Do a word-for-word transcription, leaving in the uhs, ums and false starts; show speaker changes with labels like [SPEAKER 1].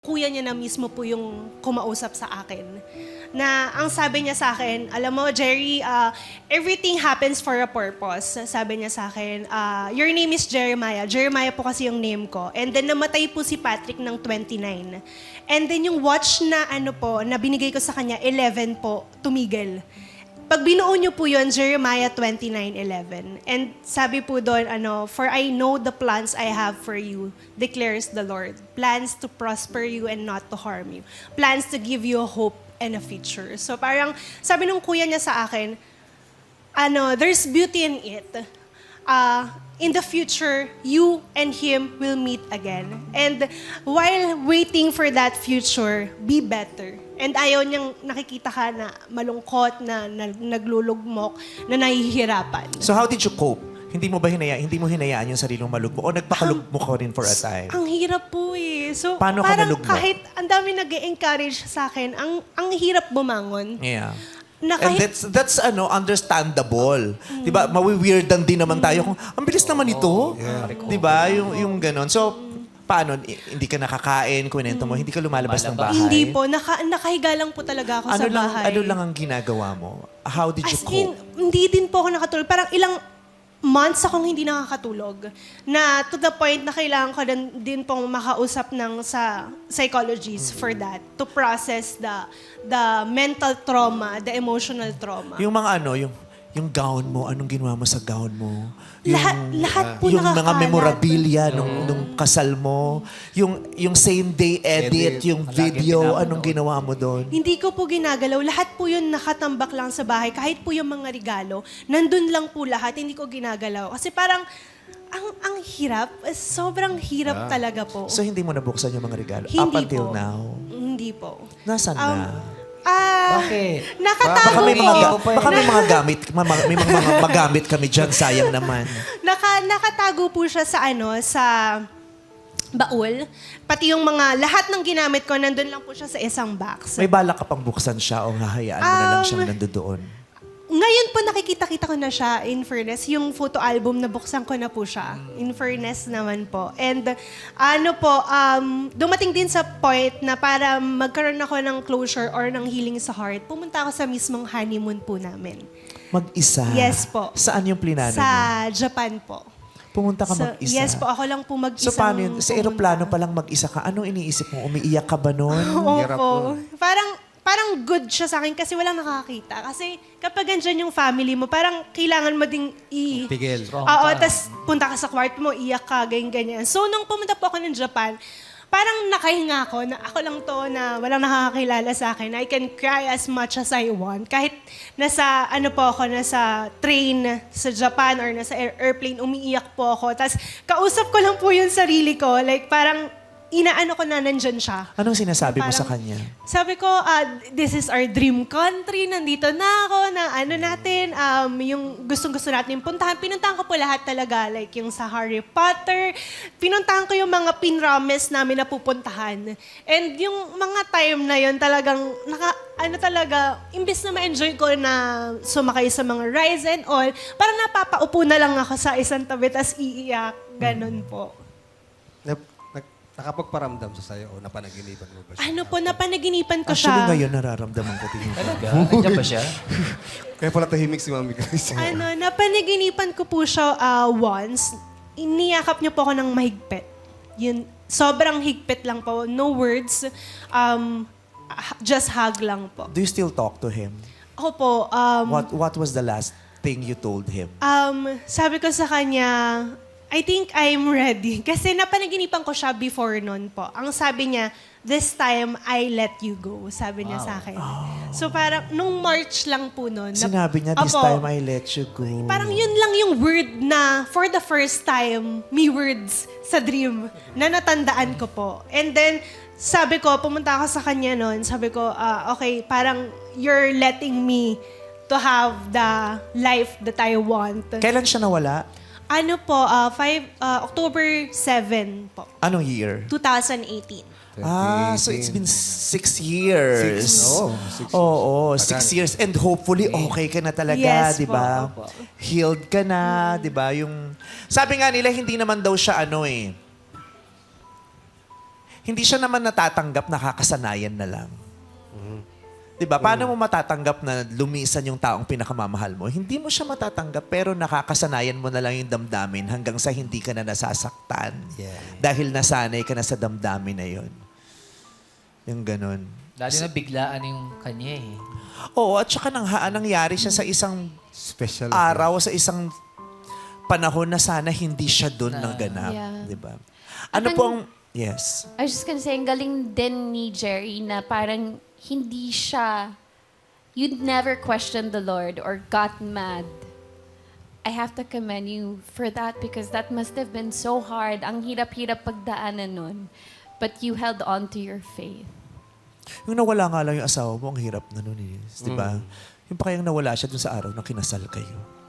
[SPEAKER 1] Kuya niya na mismo po yung kumausap sa akin. Na ang sabi niya sa akin, alam mo, Jerry, uh, everything happens for a purpose. Sabi niya sa akin, uh, your name is Jeremiah. Jeremiah po kasi yung name ko. And then namatay po si Patrick ng twenty-nine. And then yung watch na ano po, na binigay ko sa kanya, eleven po, tumigil. Pag binuo niyo po yun, Jeremiah twenty-nine eleven. And sabi po doon, ano, for I know the plans I have for you, declares the Lord. Plans to prosper you and not to harm you. Plans to give you a hope and a future. So parang sabi nung kuya niya sa akin, ano, there's beauty in it. Uh, in the future, you and him will meet again. And while waiting for that future, be better. And ayaw niyang nakikita ka na malungkot, na, na naglulugmok, na nahihirapan.
[SPEAKER 2] So how did you cope? Hindi mo ba hinayaan, hindi mo hinayaan yung sarili mong malugmok? O nagpakalugmok ko rin for a time?
[SPEAKER 1] Ang hirap po eh. So
[SPEAKER 2] Paano ka
[SPEAKER 1] parang
[SPEAKER 2] nalugmok?
[SPEAKER 1] kahit ang dami nag-encourage sa akin, ang, ang hirap bumangon.
[SPEAKER 2] Yeah.
[SPEAKER 1] Na
[SPEAKER 2] And
[SPEAKER 1] kahit,
[SPEAKER 2] that's, that's ano, understandable. Mm. Diba? Mawi-weirdan din naman tayo kung, ang bilis naman ito.
[SPEAKER 3] Yeah.
[SPEAKER 2] Diba? Yung, yung ganon. So, paano? I- Hindi ka nakakain, kunento mo, hindi ka lumalabas ng bahay?
[SPEAKER 1] hindi po, naka, nakahiga lang po talaga ako
[SPEAKER 2] Ano
[SPEAKER 1] sa
[SPEAKER 2] lang,
[SPEAKER 1] bahay.
[SPEAKER 2] ano lang ang ginagawa mo? How did you
[SPEAKER 1] As
[SPEAKER 2] cope?
[SPEAKER 1] in, hindi din po ako nakatulog. Parang ilang months akong hindi nakakatulog. Na to the point na kailangan ko din, din pong makausap ng sa psychologists for that. To process the the mental trauma, the emotional trauma.
[SPEAKER 2] Yung mga ano, yung yung gown mo, anong ginawa mo sa gown mo? Yung,
[SPEAKER 1] lahat, lahat po
[SPEAKER 2] yung mga
[SPEAKER 1] nakakalat.
[SPEAKER 2] memorabilia nung, nung kasal mo, yung yung same day edit,
[SPEAKER 3] Edit.
[SPEAKER 2] yung
[SPEAKER 3] Lagi
[SPEAKER 2] video,
[SPEAKER 3] pinapanood.
[SPEAKER 2] anong ginawa mo doon?
[SPEAKER 1] Hindi ko po ginagalaw. Lahat po yun nakatambak lang sa bahay. Kahit po yung mga regalo, nandun lang po lahat. Hindi ko ginagalaw. Kasi parang, ang ang hirap. Sobrang hirap talaga po.
[SPEAKER 2] So hindi mo nabuksan yung mga regalo
[SPEAKER 1] Hindi
[SPEAKER 2] up until
[SPEAKER 1] po.
[SPEAKER 2] now?
[SPEAKER 1] Hindi po.
[SPEAKER 2] Nasaan
[SPEAKER 1] Um,
[SPEAKER 2] na?
[SPEAKER 1] Ah,
[SPEAKER 3] Bakit?
[SPEAKER 1] nakatago
[SPEAKER 2] Baka may
[SPEAKER 1] po.
[SPEAKER 2] mga,
[SPEAKER 3] pa eh.
[SPEAKER 2] baka may mga gamit, ma- ma- may mga, mga magamit kami dyan, sayang naman.
[SPEAKER 1] Naka, nakatago po siya sa ano, sa baul. Pati yung mga, lahat ng ginamit ko, nandun lang po siya sa isang box.
[SPEAKER 2] May balak ka pang buksan siya o hahayaan mo na lang
[SPEAKER 1] Um,
[SPEAKER 2] siyang nandoon?
[SPEAKER 1] Ngayon po nakikita-kita ko na siya, in fairness. Yung photo album, nabuksan ko na po siya. In fairness naman po. And ano po, um, dumating din sa point na para magkaroon ako ng closure or ng healing sa heart, pumunta ako sa mismong honeymoon po namin.
[SPEAKER 2] Mag-isa?
[SPEAKER 1] Yes po.
[SPEAKER 2] Saan yung plinano
[SPEAKER 1] Sa
[SPEAKER 2] mo?
[SPEAKER 1] Japan po.
[SPEAKER 2] Pumunta ka
[SPEAKER 1] So,
[SPEAKER 2] mag-isa?
[SPEAKER 1] yes po, ako lang po mag-isang
[SPEAKER 2] So paano yun? Sa
[SPEAKER 1] pumunta.
[SPEAKER 2] aeroplano pa lang mag-isa ka, anong iniisip mo? Umiiyak ka ba noon?
[SPEAKER 3] Hirap
[SPEAKER 1] Opo.
[SPEAKER 3] po.
[SPEAKER 1] Parang, parang good siya sa akin kasi walang nakakita. Kasi kapag andyan yung family mo, parang kailangan mo ding i...
[SPEAKER 3] Tigil.
[SPEAKER 1] Oo, tas punta ka sa kwarto mo, iyak ka, ganyan-ganyan. So, nung pumunta po ako ng Japan, parang nakahinga ako na ako lang to na walang nakakakilala sa akin. I can cry as much as I want. Kahit nasa, ano po ako, nasa train sa Japan or nasa air- airplane, umiiyak po ako. Tas kausap ko lang po yung sarili ko. Like, parang inaano ko na nandyan siya.
[SPEAKER 2] Anong sinasabi mo
[SPEAKER 1] Parang-
[SPEAKER 2] sa kanya?
[SPEAKER 1] Sabi ko, ah, this is our dream country. Nandito na ako, na ano natin, um, yung gustong-gusto natin puntahan. Pinuntahan ko po lahat talaga, like yung sa Harry Potter. Pinuntahan ko yung mga pinrames namin na pupuntahan. And yung mga time na yun talagang, naka, ano talaga, imbes na ma-enjoy ko na sumakay sa mga rides and all, parang napapaupo na lang ako sa isang tabi, tas iiyak. Ganon po.
[SPEAKER 3] Nap, nag, nakapagparamdam sa sayo o napanaginipan mo ba siya?
[SPEAKER 1] Ano po, napanaginipan ko
[SPEAKER 2] Actually,
[SPEAKER 1] siya.
[SPEAKER 2] ngayon nararamdaman ko din.
[SPEAKER 4] Talaga? Nandiyan ba siya?
[SPEAKER 3] Kaya pala tahimik si Mami Grace.
[SPEAKER 1] Ano, napanaginipan ko po siya ah, once. Iniyakap niyo po ako ng mahigpit. Yun, sobrang higpit lang po. No words. Um, h- just hug lang po.
[SPEAKER 2] Do you still talk to him?
[SPEAKER 1] Ako po, um,
[SPEAKER 2] What What was the last thing you told him?
[SPEAKER 1] um, sabi ko sa kanya, I think I'm ready. Kasi napanaginipan ko siya before nun po. Ang sabi niya, this time, I let you go. Sabi niya sa akin. So parang, nung March lang po nun. na-
[SPEAKER 2] Sinabi niya, this
[SPEAKER 1] Opo.
[SPEAKER 2] time I let you go.
[SPEAKER 1] Parang yun lang yung word na for the first time, may words sa dream na natandaan ko po. And then, sabi ko, pumunta ako sa kanya noon, sabi ko, ah, okay, parang you're letting me to have the life that I want.
[SPEAKER 2] Kailan siya nawala?
[SPEAKER 1] Ano po, ah, five, ah, October seventh po,
[SPEAKER 2] Anong year?
[SPEAKER 1] twenty eighteen.
[SPEAKER 2] Ah, so it's been six years.
[SPEAKER 3] Six, oo, six years.
[SPEAKER 2] Oo, six
[SPEAKER 3] Tagal.
[SPEAKER 2] years. And hopefully, okay ka na talaga,
[SPEAKER 1] Yes
[SPEAKER 2] di
[SPEAKER 1] po,
[SPEAKER 2] ba?
[SPEAKER 1] opo.
[SPEAKER 2] Healed ka na, di ba? Yung, sabi nga nila, hindi naman daw siya ano eh. hindi siya naman natatanggap, nakakasanayan na lang. Di ba? Paano mo matatanggap na lumisan yung taong pinakamamahal mo? Hindi mo siya matatanggap, pero nakakasanayan mo na lang yung damdamin hanggang sa hindi ka na nasasaktan.
[SPEAKER 3] Yeah.
[SPEAKER 2] Dahil nasanay ka na sa damdamin na yun. Yung ganun.
[SPEAKER 4] Lalo na biglaan yung kanya eh.
[SPEAKER 2] Oo, at saka nang nangyari siya sa isang
[SPEAKER 3] Special.
[SPEAKER 2] araw, sa isang panahon na sana hindi siya doon naganap.
[SPEAKER 5] Yeah.
[SPEAKER 2] Di ba? Ano
[SPEAKER 5] At
[SPEAKER 2] po
[SPEAKER 5] ang-
[SPEAKER 2] ang... Yes.
[SPEAKER 5] I was just gonna say, ang galing din ni Jerry na parang hindi siya, you'd never question the Lord or got mad. I have to commend you for that because that must have been so hard. Ang hirap-hirap pagdaanan nun. But you held on to your faith.
[SPEAKER 2] Yung nawala nga lang yung asawa mo, ang hirap na nun eh. Di ba? Yung pa kayang nawala siya dun sa araw na kinasal kayo.